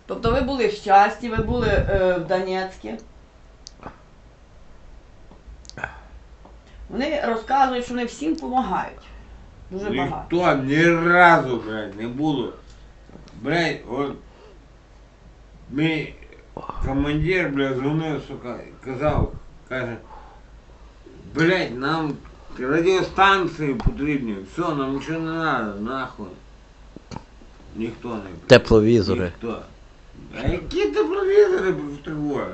Тобто ви були в Щасті, ви були в Донецьку. Вони розказують, що вони всім допомагають. Дуже багато. Ніхто ні разу, блядь, не було. Блядь, от мій командир, блядь, дзвонив, сука, казав, каже, блядь, нам радіостанції потрібні, все, нам нічого не треба, нахуй. Ніхто не прийде. Тепловізори. Ніхто. А які тепловізори потребуєш?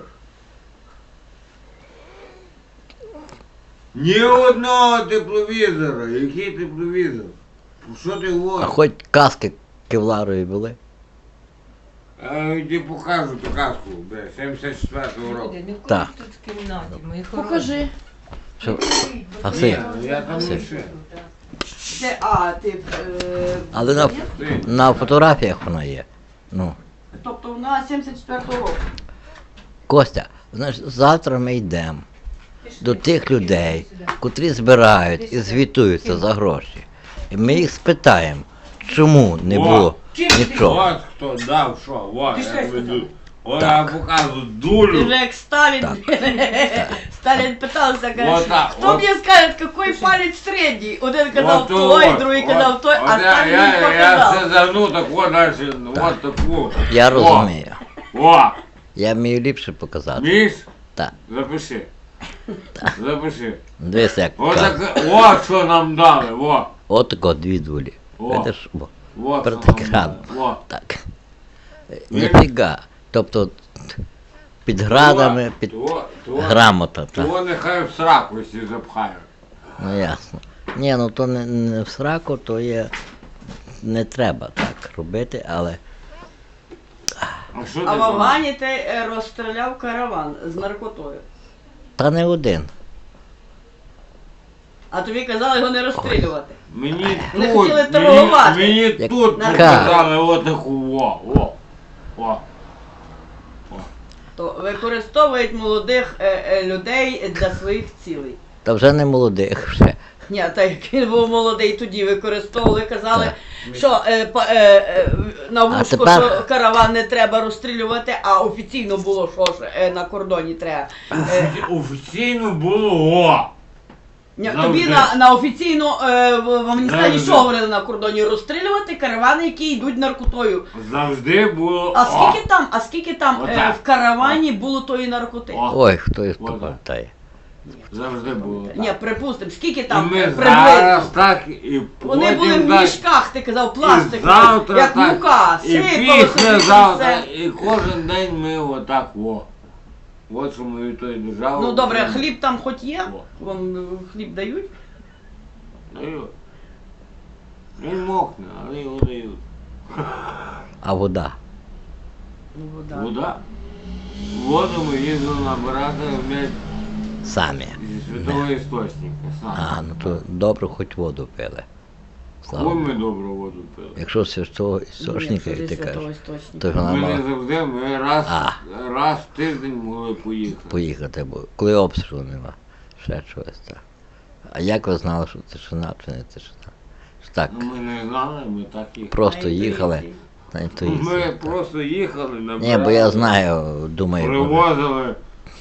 Ні одного тепловізора. Який тепловізор? Що ти А говориш? хоч каски кевларові були? Я тобі покажу ту казку, бля, 74-го року. Так. Тут в кімнаті, мої Покажи. Що? Ні, Василь, ну я там Василь. лише. Ти але на фотографіях вона є. Ну, Тобто вона 74-го року. Костя, знаєш, завтра ми йдемо до тих людей, котрі збирають і звітуються за гроші. І ми їх спитаємо, чому не було нічого. От хто дав що, от Ти я що веду. От Так. я показую Ти дулю. же як Сталин. Так. Сталин питався, Вот каже, так, хто вот. мені скаже, який палець середній? Один казав От той, от, другий от, казав той, а от Сталин я їм все показав. загну, так от далі, от таку. Я розумію. О, Я вмію ліпше показати. міш, Так. запиши. Запиши. Дивись, як От кажуть. так, от що нам дали, о. От тако дві дулі. О. Видиш? О, От перед що нам екраном. дали, о. Так. Ніфіга. Тобто під градами, під грамота. Так. То нехай в сраку всі запхають. Ну ясно. Ні, ну то не в сраку, то є. Не треба так робити, але А що ти А в думаєш? Афгані ти розстріляв караван з наркотою. та не один. А тобі казали його не розстрілювати. Мені Не тут, хотіли торгувати. мені Як тут на показали отаку, о. То використовують молодих людей для своїх цілей. Та вже не молодих вже. Ні, так як він був молодий, тоді використовували, казали, Так. що на вузку, тепер- що караван не треба розстрілювати, а офіційно було, що ж на кордоні треба. Офіційно було, о. Ні, Завжди. тобі на офіційно в Афганістані Завжди. що говорили на кордоні? Розстрілювати каравани, які йдуть наркотою. Завжди було, А скільки там Отак. в каравані було тої наркоти? О. Ой, хто із Вот. пам'ятає. Завжди було. Ні, припустимо, скільки І там ми приблизно? зараз так, і Вони були потім в так, мішках, ти казав, і пластикові, завтра як так, мука, і сипало собі післязавтра, все. і кожен день ми отак, о. От що ми від тої держави. Ну добре, отримали. хліб там хоч є? О. Вам хліб дають? Дають. Він мокне, але його дають. А вода. Ну, вода. Вода. Воду ми їздили набирати, блядь, Самі. зі святого істочника. А, ну то добре, хоч воду пили. Слава Хуй Богу. ми добру воду пили. Якщо з того істочника, Ні, як ти це святого кажеш, істочника. то ж вона Ми мала не завжди, ми раз в тиждень могли поїхати. поїхати, бо коли обстрілу нема, ще чогось так. А як ви знали, що тишина чи не тишина? Ж так, Ну, ми не знали, ми так їхали. просто На їхали інтуїції. на інтуїції. Ми просто їхали, набирали. Ні, бо я знаю, думаю, може, Привозили,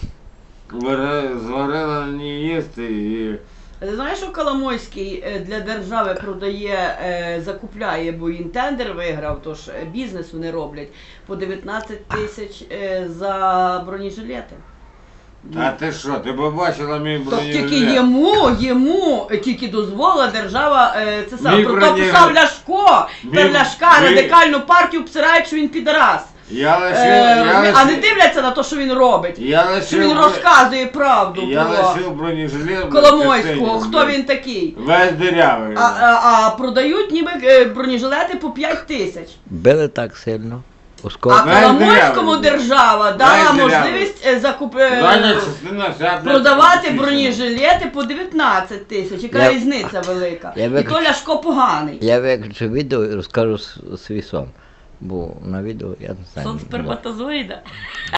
зварили не їсти і... Ти знаєш, що Коломойський для держави продає, закупляє, бо він тендер виграв, тож бізнес вони роблять по 19 тисяч за бронежилети. Та ти що, ти побачила мій То бронежилет? тільки йому тільки дозволила держава це саме. Мій Про то бронежилет. писав Ляшко. Та Мій- Ляшка мій- радикальну партію обсирають, що він підарас. Я А не дивляться на те, що він робить. Я Що він лишив, розказує правду я про лишив бронежилет. Коломойського. Хто він такий? Весь дирявий. А продають ніби бронежилети по 5 тисяч. били так сильно. А Оскільки Весь Коломойському дирявий. держава дала Весь дирявий. можливість Задня частина вся продавати підсічена. бронежилети по 19 тисяч. Яка Я- різниця велика? Я І то виключ- Ляшко поганий. я виключу відео і розкажу свій сон. Бо на відео я не знаю. Сон не було. сперматозоїда.